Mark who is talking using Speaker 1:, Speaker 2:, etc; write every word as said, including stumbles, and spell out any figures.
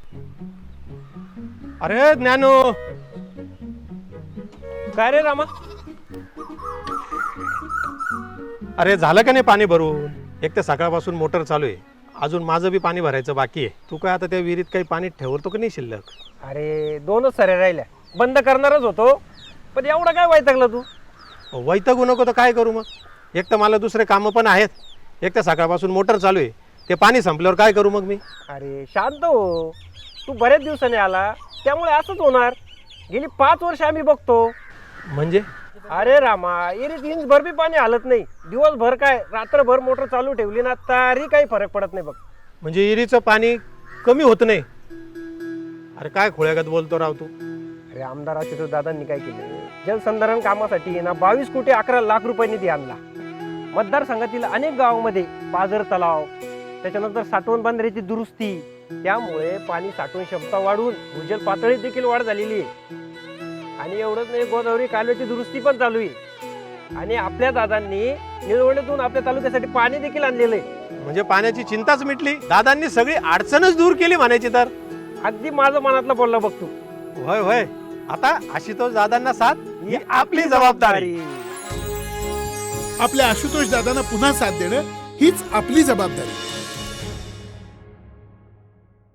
Speaker 1: अरे ज्ञानो,
Speaker 2: काय रे रामा?
Speaker 1: अरे झालं का नाही पाणी भरून? एक तर सकाळपासून मोटर चालू आहे, अजून माझं बी पाणी भरायचं बाकी आहे. तू काय आता त्या विहिरीत काही पाणी ठेवतो का नाही शिल्लक?
Speaker 2: अरे दोनच सऱ्या राहिल्या, बंद करणारच होतो, पण एवढं काय वैतागला तू?
Speaker 1: वैतागू नको तर काय करू मग? एक तर मला दुसरे कामं पण आहेत, एक तर सकाळपासून मोटर चालू आहे, ते पाणी संपल्यावर काय करू मग मी?
Speaker 2: अरे शांत हो, तू बऱ्याच दिवसाने आला त्यामुळे असंच होणार. गेली पाच वर्ष आम्ही बघतो.
Speaker 1: म्हणजे
Speaker 2: अरे रामा, एरीत इंच भर बी पाणी हलत नाही. दिवसभर काय रात्रभर मोटर चालू ठेवली ना तरी काही फरक पडत नाही बघ.
Speaker 1: म्हणजे विहिरीचं पाणी कमी होत नाही? अरे काय खोळ्यागत बोलतो राव तू.
Speaker 2: अरे आमदार आशुतोष दादांनी काय केलं, जलसंधारण कामासाठी ना बावीस कोटी अकरा लाख रुपये निधी आणला. मतदारसंघातील अनेक गावांमध्ये पाझर तलाव, त्याच्यानंतर साठवण बंधाऱ्याची दुरुस्ती, त्यामुळे पाणी साठवण क्षमता वाढून भूजल पातळीत देखील वाढ झालेली आहे. आणि एवढंच नाही, गोदावरी कालव्याची दुरुस्ती पण चालू आहे. आणि आपल्या दादांनी निळवंडेतून आपल्या तालुक्यासाठी पाणी देखील आणलेलं आहे.
Speaker 1: म्हणजे पाण्याची चिंताच मिटली, दादांनी सगळी अडचणच दूर केली म्हणायची तर.
Speaker 2: अगदी माझं मनातलं बोलला बघ तू.
Speaker 1: होय होय, आता आशुतोष दादांना साथ ही आपली जबाबदारी.
Speaker 3: आपल्या आशुतोष दादांना पुन्हा साथ देणं हीच आपली जबाबदारी.